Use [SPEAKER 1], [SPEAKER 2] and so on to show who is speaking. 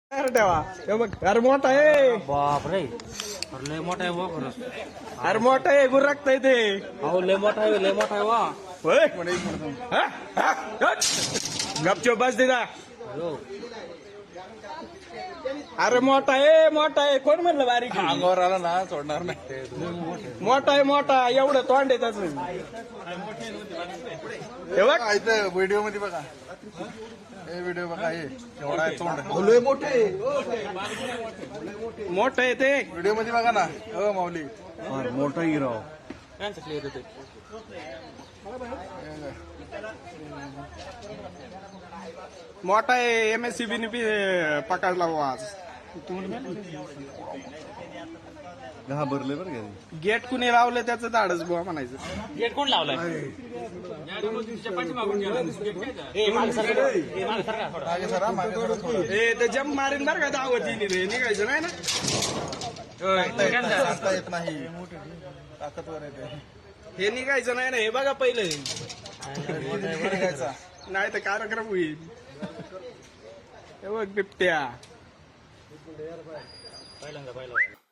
[SPEAKER 1] ठेवा हे बघ अरे मोठा आहे
[SPEAKER 2] बाप रे अरे लय मोठा आहे वा खरंच
[SPEAKER 1] अरे मोठा आहे गुरकता ते
[SPEAKER 2] अहो लय मोठा आहे वा
[SPEAKER 1] होय हा? हा? हट. गपचूप बस दिदा
[SPEAKER 2] हो.
[SPEAKER 1] अरे मोठा आहे कोण म्हणलं बारीक आहे?
[SPEAKER 3] अंगावर आला ना सोडणार नाही.
[SPEAKER 1] मोठा एवढं तोंड आहे त्याच हे बघ
[SPEAKER 3] इथं व्हिडिओ मध्ये बघा हे व्हिडिओ बघा हे एवढा आहे तोंड
[SPEAKER 1] मोठं आहे ते
[SPEAKER 3] व्हिडिओ मध्ये बघा ना हो माऊली
[SPEAKER 1] मोठा हिरो
[SPEAKER 2] त्यांचं क्लिअर होते
[SPEAKER 1] मोठा आहे MSCB ने बी पकडला बुवा आज
[SPEAKER 3] घाबरले बरं का
[SPEAKER 1] गेट कुणी लावलं त्याचं धाडच बुवा म्हणायचं
[SPEAKER 2] गेट कोण लावलाय ए, मागे सरका. ए, मागे सरका थोडं.
[SPEAKER 3] मागे सरा मागे सरा थोडं.
[SPEAKER 1] ए ते जम मारीन बरं का दावतीने रे निघायचं नाही ना
[SPEAKER 3] सांगता येत नाही ताकदवर येते
[SPEAKER 1] हे निघायचं नाही ना हे बघा पहिलं
[SPEAKER 3] निघायचा.
[SPEAKER 1] नाही तर कार्यक्रम होईल हे बघ बिबट्या
[SPEAKER 2] पहिल्यांदा